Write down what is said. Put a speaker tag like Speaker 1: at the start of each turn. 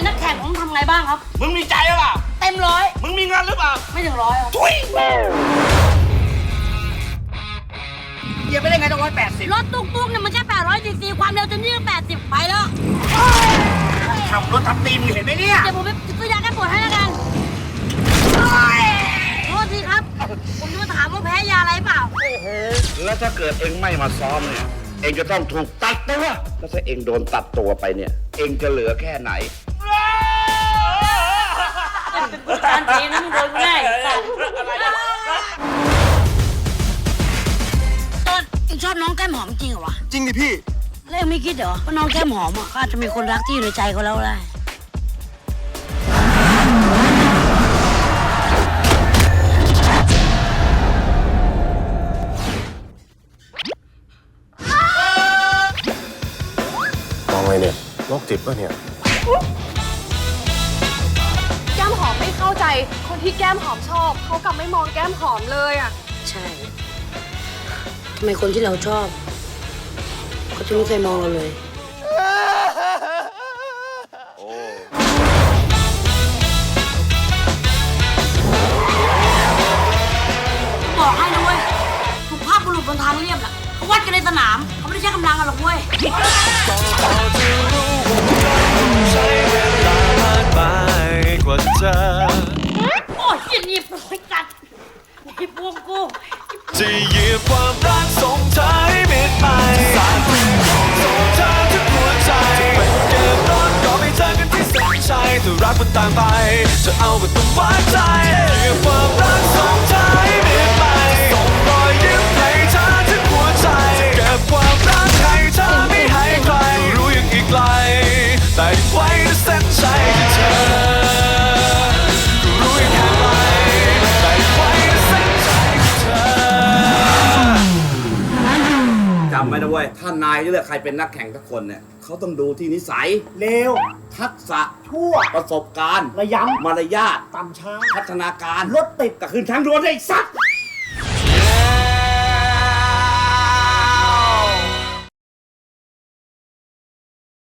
Speaker 1: เป็นนักแข่งผมทำไงบ้างครับ
Speaker 2: มึงมีใจหรือเปล่า
Speaker 1: เต็มร้อย
Speaker 2: มึงมีเงินหรือเปล่า
Speaker 1: ไม่ถึง100ครับ
Speaker 2: ทุยเหยียบไปได้ไงต้อง180
Speaker 1: รถตุ๊กเนี่ยมันแค่800 cc ความเร็วจะนี่ก็80ไปแล้ว
Speaker 2: ขับรถทับตีมึงเห็นไหมเนี่ย
Speaker 1: เดี๋ยวผมไปซื้อยาแก้ปวดให้แล้วกันโทษทีครับ ผมจะมาถามว่าแพ้ยาอะไรเปล่า
Speaker 3: แล้วถ้าเกิดเองไม่มาซ้อมเนี่ย เองจะต้องถูกตัดตัว แล้วถ้าเองโดนตัดตัวไปเนี่ย เองจะเหลือแค่ไหน
Speaker 1: การทีนั้นมึงโดนกูแน่ต้นเองชอบน้องแก้มหอมจริงเหรอวะ
Speaker 4: จริงดิพี่
Speaker 1: แล้วเองไม่คิดเหรอว่าน้องแก้มหอมอ่ะเขาอาจจะมีคนรักที่อยู่ในใจเขาแล้วได้
Speaker 4: มองไงเนี่ยโรคจิตป่ะเนี่ย
Speaker 5: แก้มหอมไม่เข้าใจคนที่แก้มหอมชอบเขากลับไม่มองแก้มหอมเลยอ่ะ
Speaker 1: ใช่ทำไมคนที่เราชอบเขาจะไม่เคยมองเราเลยบอกให้นะเว้ยสุภาพบุรุษบนทางเรียบน่ะเขาวัดกันในสนามเขาไม่ได้ใช้กำลังกันหรอกเว้ย
Speaker 6: ใช้เวลามากมายกว่าจะ
Speaker 1: โอ้ยเหี้ยหนีบเลยกัดหนีบพวงกู
Speaker 6: จะเหยียบความรักส่งเธอให้มิดไปสาดส่งเธอทุกหัวใจเป็นเกมร้อนก็ไม่เจอกันที่เส้นชัยถ้ารักมันต่างไปจะเอาก็ต้องวัดใจเหยียบความรักส่งเธอให้มิดไปส่งรอยยิ้มให้เธอทุกหัวใจจะเก็บความรักให้เธอไม่ให้ใครรู้ยังอีกไกลแต่ไว้ในเส้นชัยที่เธอรู้ยังแค่ไหนแต่ไว้ในเส้นชัยที่เธอ
Speaker 3: จำไว้นะเว้ย ถ้านายเลือกใครเป็นนักแข่งทุกคนเนี่ย เขาต้องดูที่นิสัย
Speaker 7: เลว
Speaker 3: ทักษะ
Speaker 7: ชั่ว
Speaker 3: ประสบการณ์
Speaker 7: ระย
Speaker 3: มารยาท
Speaker 7: ำต่ำช้า
Speaker 3: พัฒนาการ
Speaker 7: รถติด
Speaker 3: ก็ขึ้นทางด่วนได้ไอ้สัตว์